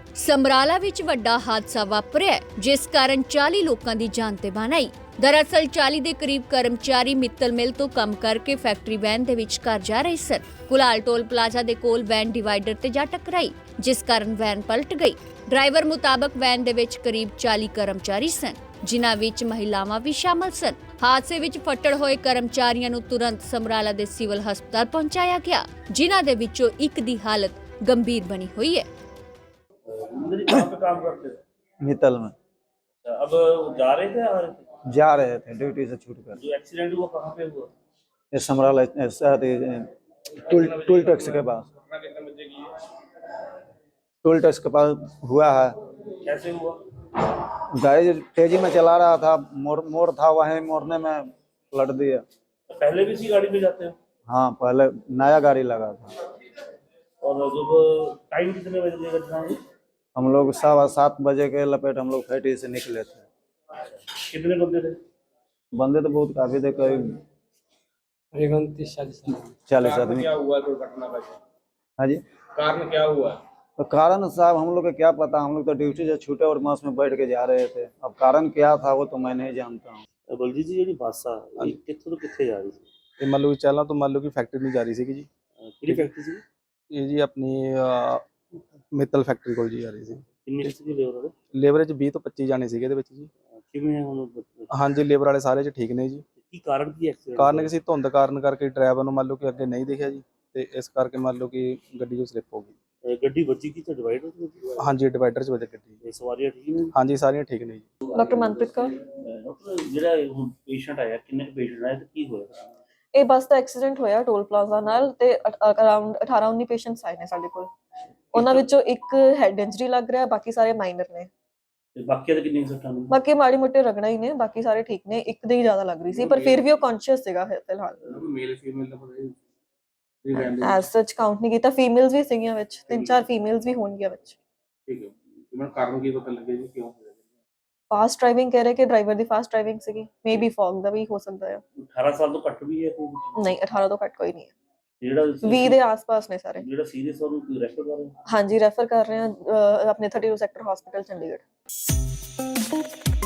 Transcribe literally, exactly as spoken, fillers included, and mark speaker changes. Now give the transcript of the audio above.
Speaker 1: ਸਮਰਾਲਾ ਵਿੱਚ ਵੱਡਾ ਹਾਦਸਾ ਵਾਪਰਿਆ ਜਿਸ ਕਾਰਨ ਚਾਲੀ ਲੋਕਾਂ ਦੀ ਜਾਨ ਤੇ ਬਾਨ ਆਈ। ਦਰਅਸਲ ਚਾਲੀ ਦੇ ਕਰੀਬ ਕਰਮਚਾਰੀ ਮਿੱਤਲ ਮਿਲ ਤੋਂ ਕੰਮ ਕਰਕੇ ਫੈਕਟਰੀ ਵੈਨ ਦੇ ਵਿੱਚ ਘਰ ਜਾ ਰਹੇ ਸਨ। ਕੁਲਾਲ ਟੋਲ ਪਲਾਜ਼ਾ ਦੇ ਕੋਲ ਵੈਨ ਡਿਵਾਈਡਰ ਤੇ ਜਾ ਟਕਰਾਈ ਜਿਸ ਕਾਰਨ ਵੈਨ ਪਲਟ ਗਈ। ਡਰਾਈਵਰ ਮੁਤਾਬਕ ਵੈਨ ਦੇ ਵਿੱਚ ਕਰੀਬ ਚਾਲੀ ਕਰਮਚਾਰੀ ਸਨ ਜਿਨ੍ਹਾਂ ਵਿੱਚ ਮਹਿਲਾਵਾਂ ਵੀ ਸ਼ਾਮਲ ਸਨ। ਹਾਦਸੇ ਵਿੱਚ ਫੱਟੜ ਹੋਏ ਕਰਮਚਾਰੀਆਂ ਨੂੰ ਤੁਰੰਤ ਸਮਰਾਲਾ ਦੇ ਸਿਵਲ ਹਸਪਤਾਲ ਪਹੁੰਚਾਇਆ ਗਿਆ ਜਿਨ੍ਹਾਂ ਦੇ ਵਿੱਚੋਂ ਇੱਕ ਦੀ ਹਾਲਤ गंभीर बनी हुई है।
Speaker 2: कहाँ पे काम करते थे?
Speaker 3: मित्तल में।
Speaker 2: अब जा रहे थे आ रहे थे?
Speaker 3: जा रहे थे ड्यूटी से छूट कर।
Speaker 2: जो एक्सीडेंट हुआ कहाँ पे हुआ?
Speaker 3: ये समराला टूल टूल टैक्स के पास टूल टैक्स के पास हुआ है।
Speaker 2: कैसे हुआ?
Speaker 3: गाड़ी तेजी में चला रहा था, मोड़ मोड़ था, वहीं मोड़ने में पलट दिया।
Speaker 2: पहले भी इसी गाड़ी में जाते हो?
Speaker 3: हाँ, पहले नया गाड़ी लगा था।
Speaker 2: और जब टाइम कितने बजे की घटना हुई?
Speaker 3: हम लोग सवा सात बजे के लपेट हम लोग फैक्ट्री से निकले थे।
Speaker 2: कितने बंदे थे?
Speaker 3: बंदे तो बहुत काफी थे, करीब चालीस आदमी।
Speaker 2: क्या हुआ दुर्घटना का?
Speaker 3: हाँ जी,
Speaker 2: कारण क्या हुआ?
Speaker 3: तो कारण साहब हम लोग को क्या पता, हम लोग तो ड्यूटी से छूटे और बस में बैठ के जा रहे थे। अब कारण क्या था वो तो मैं नहीं जानता हूँ।
Speaker 2: बलजीत जी ਜਿਹੜੀ ਬੱਸ ਆ ਇਹ ਕਿੱਥੋਂ ਤੋਂ ਕਿੱਥੇ ਜਾ ਰਹੀ ਸੀ?
Speaker 4: ਇਹ ਮੰਨ ਲਓ ਚਾਲਾਂ ਤੋਂ ਮੰਨ ਲਓ ਕਿ ਫੈਕਟਰੀ ਨੂੰ ਜਾ ਰਹੀ ਸੀਗੀ ਜੀ।
Speaker 2: ਕਿਹੜੀ ਫੈਕਟਰੀ ਸੀ?
Speaker 4: ਇਹ ਜੀ ਆਪਣੀ ਮਿੱਤਲ ਫੈਕਟਰੀ ਕੋਲ ਜੀ ਆ ਰਹੀ ਸੀ।
Speaker 2: ਕਿੰਨੀ ਸੀ ਲੇਬਰ ਦੇ?
Speaker 4: ਲੇਬਰ ਚ ਵੀਹ ਤੋਂ ਪੱਚੀ ਜਾਣੇ ਸੀਗੇ ਇਹਦੇ ਵਿੱਚ ਜੀ।
Speaker 2: ਕਿਵੇਂ ਹੁਣ?
Speaker 4: ਹਾਂਜੀ, ਲੇਬਰ ਵਾਲੇ ਸਾਰੇ ਚ ਠੀਕ ਨੇ ਜੀ।
Speaker 2: ਕੀ ਕਾਰਨ ਕੀ ਐਕਸੀਡੈਂਟ?
Speaker 4: ਕਾਰਨ ਕਿਸੇ ਧੁੰਦ ਕਾਰਨ ਕਰਕੇ ਡਰਾਈਵਰ ਨੂੰ ਮੰਨ ਲਓ ਕਿ ਅੱਗੇ ਨਹੀਂ ਦਿਖਿਆ ਜੀ ਤੇ ਇਸ ਕਰਕੇ ਮੰਨ ਲਓ ਕਿ ਗੱਡੀ ਜੋ ਸਲਿੱਪ ਹੋ ਗਈ।
Speaker 2: ਗੱਡੀ ਵੱਜੀ ਕੀ ਤੇ ਡਿਵਾਈਡਰ ਤੇ ਵੱਜੀ?
Speaker 4: ਹਾਂਜੀ, ਡਿਵਾਈਡਰ ਚ ਵੱਜ ਗੱਡੀ।
Speaker 2: ਇਹ ਸਵਾਰੀਆਂ ਠੀਕ ਨੇ?
Speaker 4: ਹਾਂਜੀ, ਸਾਰੀਆਂ ਠੀਕ ਨੇ ਜੀ।
Speaker 5: ਡਾਕਟਰ ਮਨਪ੍ਰੀਤ ਕੌਰ।
Speaker 2: ਡਾਕਟਰ ਜਿਹੜਾ ਹੁਣ ਪੇਸ਼ੈਂਟ ਆਇਆ ਕਿੰਨੇ ਕੁ ਪੇਸ਼ੈਂਟ ਆਏ ਤੇ ਕੀ ਹੋਇਆ?
Speaker 5: ਇਹ ਬੱਸ ਦਾ ਐਕਸੀਡੈਂਟ ਹੋਇਆ ਟੋਲ ਪਲਾਜ਼ਾ ਨਾਲ ਤੇ ਅਰਾਊਂਡ ਅਠਾਰਾਂ ਉੱਨੀ ਪੇਸ਼ੈਂਟਸ ਆਏ ਨੇ ਸਾਡੇ ਕੋਲ। ਉਹਨਾਂ ਵਿੱਚੋਂ ਇੱਕ ਹੈਡ ਇੰਜਰੀ ਲੱਗ ਰਿਹਾ, ਬਾਕੀ ਸਾਰੇ ਮਾਈਨਰ ਨੇ।
Speaker 2: ਤੇ ਬਾਕੀ ਦੇ ਕਿੰਨੇ ਸੱਟਾਂ ਨੇ?
Speaker 5: ਬਾਕੀ ਮਾੜੀ ਮੋਟੇ ਰਗੜਾ ਹੀ ਨੇ, ਬਾਕੀ ਸਾਰੇ ਠੀਕ ਨੇ। ਇੱਕ ਦੇ ਹੀ ਜ਼ਿਆਦਾ ਲੱਗ ਰਹੀ ਸੀ ਪਰ ਫਿਰ ਵੀ ਉਹ ਕੌਨਸ਼ੀਅਸ ਸੀਗਾ ਫਿਲਹਾਲ।
Speaker 2: ਮੇਲ ਫੀਮੇਲ ਦਾ ਪਤਾ ਨਹੀਂ
Speaker 5: ਐਸ ਸੱਚ ਕਾਊਂਟ ਨਹੀਂ ਕੀਤਾ। ਫੀਮੇਲਸ ਵੀ ਸੀਗੀਆਂ ਵਿੱਚ, ਤਿੰਨ ਚਾਰ ਫੀਮੇਲਸ ਵੀ ਹੋਣਗੀਆਂ ਵਿੱਚ।
Speaker 2: ਠੀਕ ਹੈ। ਮੈਨੂੰ ਕਾਰਨ ਕੀ ਪਤਾ ਲੱਗਿਆ ਜੀ ਕਿਉਂ ਹੋਇਆ?
Speaker 5: ਫਾਸਟ ਡਰਾਈਵਿੰਗ ਕਹਿ ਰਹੇ ਕਿ ਡਰਾਈਵਰ ਦੀ ਫਾਸਟ ਡਰਾਈਵਿੰਗ ਸੀਗੀ। ਮੇਬੀ ਫੌਗ ਦਾ ਵੀ ਹੋ ਸਕਦਾ ਹੈ।
Speaker 2: ਅਠਾਰਾਂ ਸਾਲ ਤੋਂ ਘੱਟ ਵੀ ਹੈ ਕੋਈ?
Speaker 5: ਨਹੀਂ, ਅਠਾਰਾਂ ਤੋਂ ਘੱਟ ਕੋਈ ਨਹੀਂ ਹੈ।
Speaker 2: ਜਿਹੜਾ
Speaker 5: ਵੀਹ ਦੇ ਆਸ-ਪਾਸ ਨੇ ਸਾਰੇ।
Speaker 2: ਜਿਹੜਾ ਸੀਰੀਅਸ ਉਹਨੂੰ ਰੈਫਰ ਕਰ ਰਹੇ?
Speaker 5: ਹਾਂਜੀ, ਰੈਫਰ ਕਰ ਰਹੇ ਹਾਂ ਆਪਣੇ thirty two sector hospital Chandigarh.